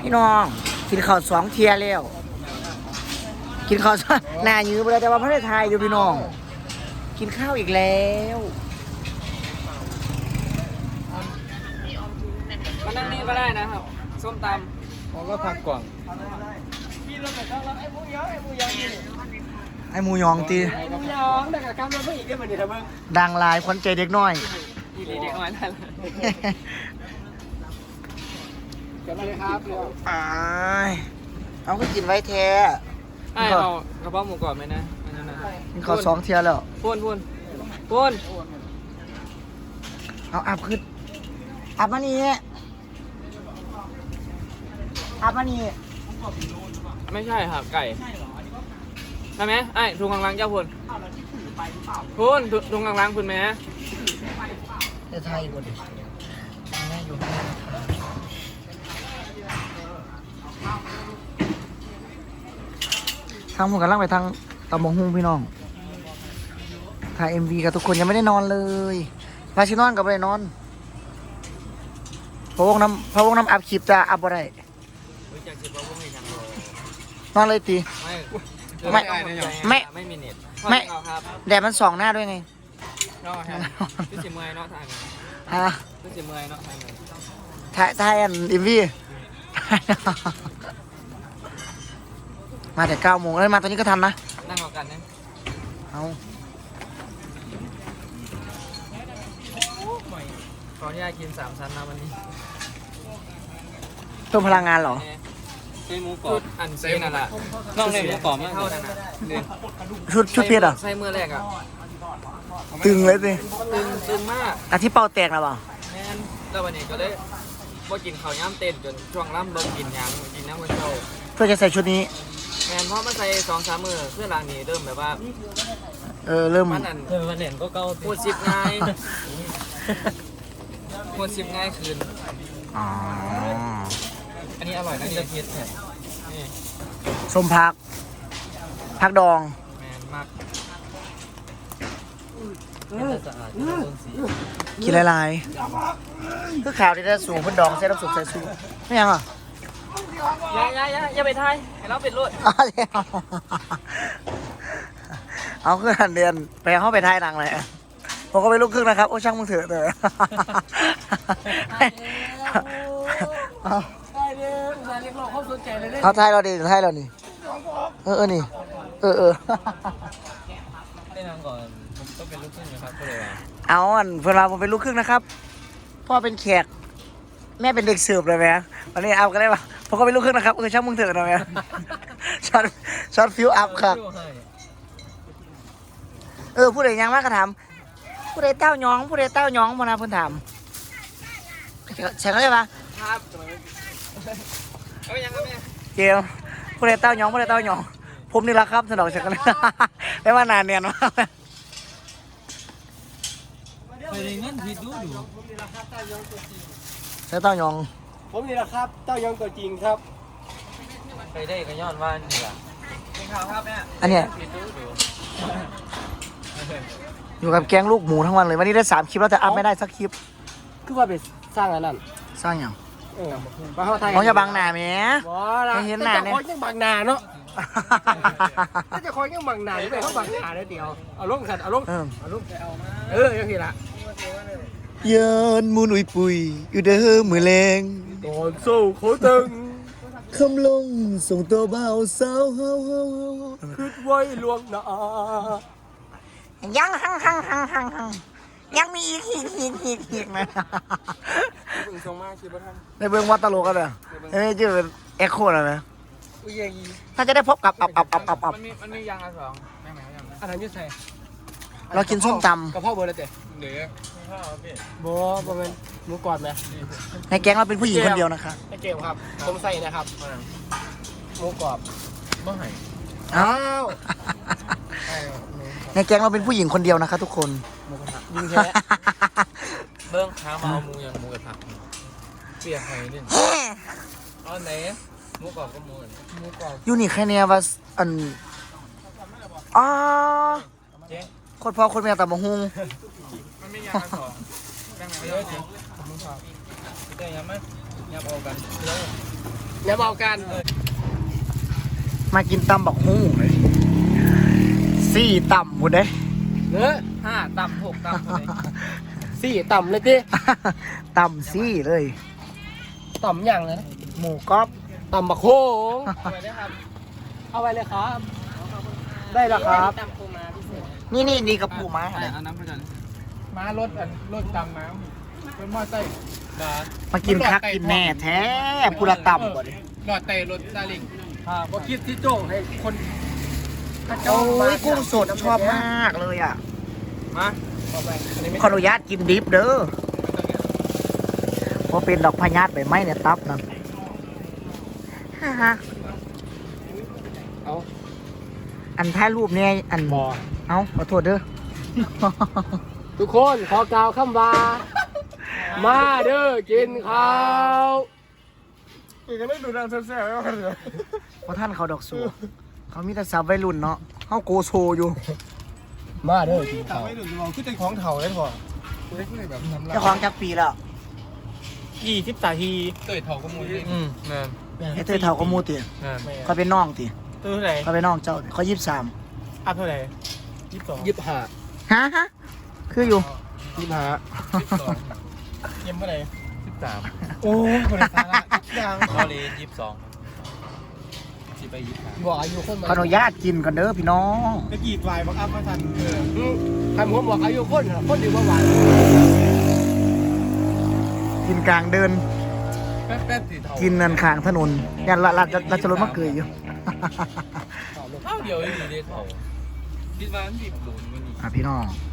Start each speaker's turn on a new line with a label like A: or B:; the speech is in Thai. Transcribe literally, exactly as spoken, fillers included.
A: พี่น้องกินข้าวสองเทียแล้วกินข้าวหน้ายื้อไปแล้วแต่ว่าพระได้ทายอยู่พี่น้องกินข้าวอีกแล้ว
B: มานั่งนี่ก็ได้นะครับส้มตำผมก็ผักกล่อง
A: ไอ้หมูยองตี
B: ไอ้หมูยองดังกับกำลังไม่อีกได้เหมือนเดิม
A: ดังลายควันใจเด็กน้อย
B: อีเด็กน้อยนั่นเกิดมาเลยครับเร็ว
A: เอาไปกินไว้แท้
B: ไอ้เอากระเพาะหมูกรอบไหมนะอันนั้นนะ
A: กินข้าวสองเทียแล้ว
B: พูนพูนพูน
A: เอาอับขึ้นอับมานี่อับมานี่
B: ไม่ใช่ครับไก่ใช่ไหมไอ้ถุงกลางๆเจ้าพูนพูนถุงกลางๆคุณไหม
A: จะไทยกว่าดิแม่อยู่ทางผมกำลังไปทางตำบงหุ่งพี่น้องถ่ายเอ็มวีกับทุกคนยังไม่ได้นอนเลยพาชินอนกับไปนอนพระวงน้ำพระวงน้ำอัพคลิปจะอัพบ่ได้นอนเลยตีไม่ไม่
B: ไม่มีเน็ต
A: ไม่แดดมันส่องหน้าด้วยไง
B: นอกฮะพี่สิเมย์นอกทาง
A: ฮะ
B: พี่สิเมย์นอกทาง
A: ถ่ายถ่ายอันเอ็มวีมาแต่เก้าโมงแล้วมาตอนนี้ก็ทันนะ
B: นั่งรอกันนะ
A: เอา
B: ขออนุญาตกินสามชั้นนะวันนี้
A: เพิ่มพลังงานเหรอ
B: ใส่หมูกรอบอันซีนั่นแหละนอกเลยหมูกรอบไม่เท่านั้นนะ
A: ชุดชุดเพียรอ่ะ
B: ใส่เมื่อแรกอ่ะ
A: ตึงเลยสิ
B: ตึงตึงมาก
A: อ่ะที่เป่าแตกแล้วเปล่า
B: แม่นแล้ววันนี้ก็เลยพอกินข้าวย่ำเต้นจนช่วงล่ำเบิ่งกินยังกินน้ำมันโต
A: เพื่อจะใส่ชุดนี้
B: แมนเพราะมันใส่สองสามมือเพื่อรางนี้เริ่มแบบว่า
A: เออเริ่ม
B: มันอันเออมันเห็นก็เก่าพูดสิบง่ายพูดสิบง่ายคืน
A: อ๋อ
B: อันนี้อร่อยนะจะเพียรนี่
A: ส้มพักพักดอง
B: แมนมาก
A: กินหลายๆคือข่าวที่ได้สูงพันดองใส่น้ำสุกใส่ซูไม่ยังอ่ะ
B: อย่าอย่าอย่าอย่าไปทายให้เราเป็นรถ
A: เอาขึ้นหันเดือนไปเข้าไปทายหนังเลยผมก็ไปลูกครึ่งนะครับโอ้ช่างมึงเถอะเถอะเอาทายเราดิทายเราดิเออเออนี่เออเออ
B: ได้นำก่อนผมก็เป็นลูกครึ่งนะครับก็เลย
A: เอาอันเพื่อนเราผมเป็นลูกครึ่งนะครับพ่อเป็นแขกแม่เป็นเด็กเสิร์ฟเลยไหมวันนี้เอากันได้ปะผมก็เป็นลูกครึ่งนะครับเออช่างมึงเถอะนะแม่ช็อตช็อตฟิวอัพครับเออผู้ใดยังมากก็ถามผู้ใดเต้าย้องผู้ใดเต้าย้องมานะเพื่อนถามใช่ไหมปะ
B: ครับเอายังครับแม่
A: เจียวผู้ใดเต้าย้องผู้ใดเต้าย้องผมนี่แหละครับสนองเฉยกันไม่ว่านานเนี่ยนะ
B: ไปเรียนเงินผิดดูดู
A: ใช่เต้ายอง
C: ผมนี่แหละครับเต้ายองตัวจริงครับ
B: ไปได้ก็ย้อนว่านี่แหละเป็นข่าวครับเนี่ย
A: อันเนี้ยอยู่กับแกงลูกหมูทั้งวันเลยวันนี้ได้สามคลิปแล้วแต่อัพไม่ได้สักคลิป
C: คือว่าไปสร้างอันนั้น
A: สร้างอย่าง
C: เออมาเข้าไทย
A: น้องจะบังหน้าไหม
C: ให้เห็นหน้าเนี่ยจะบังหน้าเนาะถ้าจะคอยยังบังหน้าไปเขาบังหน้าได้เดียวเอาลงสัตว์เอาลงเอาลงเออยังไงล่ะ
A: ยืนมูนุยปุยอยู่เด้อมือแรง
C: โดนสู้โคตึง
A: คำลงส่งตัวเบาสาวเฮาเฮา
C: คืดไว้ลวงหน้า
A: ยังหังหังหังหังหังยังมีอีกอีกอีกอีกอีกนะ
B: เบิ่งทรงมากคิดว่าท่าน
A: ในเบื้องวัดตลกกันเลยเอ้ยชื่อเป็นเอ็กโคอะไรไหมถ้าจะได้พบกับอับอับอับอับอับ
B: มันมีมันมียางอันสองแม่แม่ยัง
C: อันนั้นยืดใส่
A: เรากินส้มตำ
C: กระเพาะเบอร์อะไรเต๋
B: เดี๋ยว
C: โบ้ประมาณหมูกรอบไหม
A: ในแก๊งเราเป็นผู้หญิงคนเดียวนะคะ
C: ในเกมครับผมใส่นะครับหมูกรอบ
B: บ้าไห่
A: อ้าวในแก๊งเราเป็นผู้หญิงคนเดียวนะคะทุกคน
C: ยิงแค่
B: เบิ้งขามาเอาหมูอย่างหมูกับผักเปียกไห่เนี่ยเอาไหนหมูกรอบก็หมูหมูกรอบ
A: ยูนิคแค่เนี้ยว่าอันอ๋อคนพ่อคนแม่แต่มาฮุง
B: มันไม่ยากสองแบ่งไหนเยอะจริงผมชอบแต่ยังไม่ยังเอากันแล้ว
C: เดี๋ยวบอกกัน
A: มากินตำบักฮู้เลยสี่ตำหมดเลย
C: เนื้อ
B: ห้าต่ำหกต่ำเลย
C: สี่ต่ำเลยดิ
A: ตำซี่เลย
C: ต่ำอย่างเลยนะ
A: หมูกรอบ
C: ต่ำบักโคง
B: เอาไปได้ครับ
C: เอาไปเลยครับ ได้แล้วครับ
A: นี่นี่ดีกับปูม้า
B: เอา
A: เลย
B: เอาน้ำไปก่อน
C: มารถอันรถต่ำน้ำเป็นมอไซค์
B: บา
A: มากินคักกินแน่แท้กูละตำก่อนดิ
C: หลอดเตะรถซาเลิงว่าคิดที่โจ้ให้คนข้าเจ้า
A: โอ้ยกุ้งสดชอบมากเลยอ่ะ
C: มาเอาไปอันนี้ไม่
A: ขออนุญาตกินดิบเด้อเพราะเป็นดอกพญาตใบไม้เนี่ยตับนั่นฮ่าฮ่า
C: เอา
A: อันท้ายรูปเนี่ยอัน
C: บอ
A: เอาขอโทษเด้อ
C: ทุกคนขอกล่าวคำว่า มาเด้อกินข้าวกินกันได้ดูดังแซ่บๆไว้ก่อนเถอะ
A: เพราะท่านเขาดอกสูเขามีแต่สาววัยรุ่นเนาะเขาโกโซอยู่
C: มาเด้อกินข้าว
D: ไม่ดูมองคือเป็นของเถ่าเลยพอ
A: เจ้าของจักปีแล้ว
B: ยี่สิบสาทีเตยเถาก็มูลอืมนั่น
A: ไอ้เธอเท่าก็มูติ
B: นั่น
A: เขาเป็นน้องติ
B: ตัวเท่าไหร่
A: เขาเป็นน้องเจ้าเขายี่สิบสาม
B: อัพเท่าไหร่ยี่สิบสอง
C: ยิบหา
A: ฮะฮะคืออยู่
C: ยิบหา
B: เยี่ยมเท่าไหร่สิบสาม
D: โอ้ยคนละสาระอย่าง
B: พอเลยยี่สิบสองสิไปยี่สิบสาม
C: บอกอายุคน
A: ขออนุญาตกินกันเด้อพี่น้อง
D: ตะกี้วายบักอัพมาทันเออ
C: ใครผมบอกอายุคนเหรอคนดีว่าหวาน
A: กินกลางเดิน
B: แป๊บแป๊บสีเทา
A: กินนันข้างถนนยันละละละจะรถมาเกยอยู่
B: เท่าเดียวเลยดีเลยเขาคิดว่ามันดิบหลุนวันนี้
A: อ่ะพี่น้อง
B: เ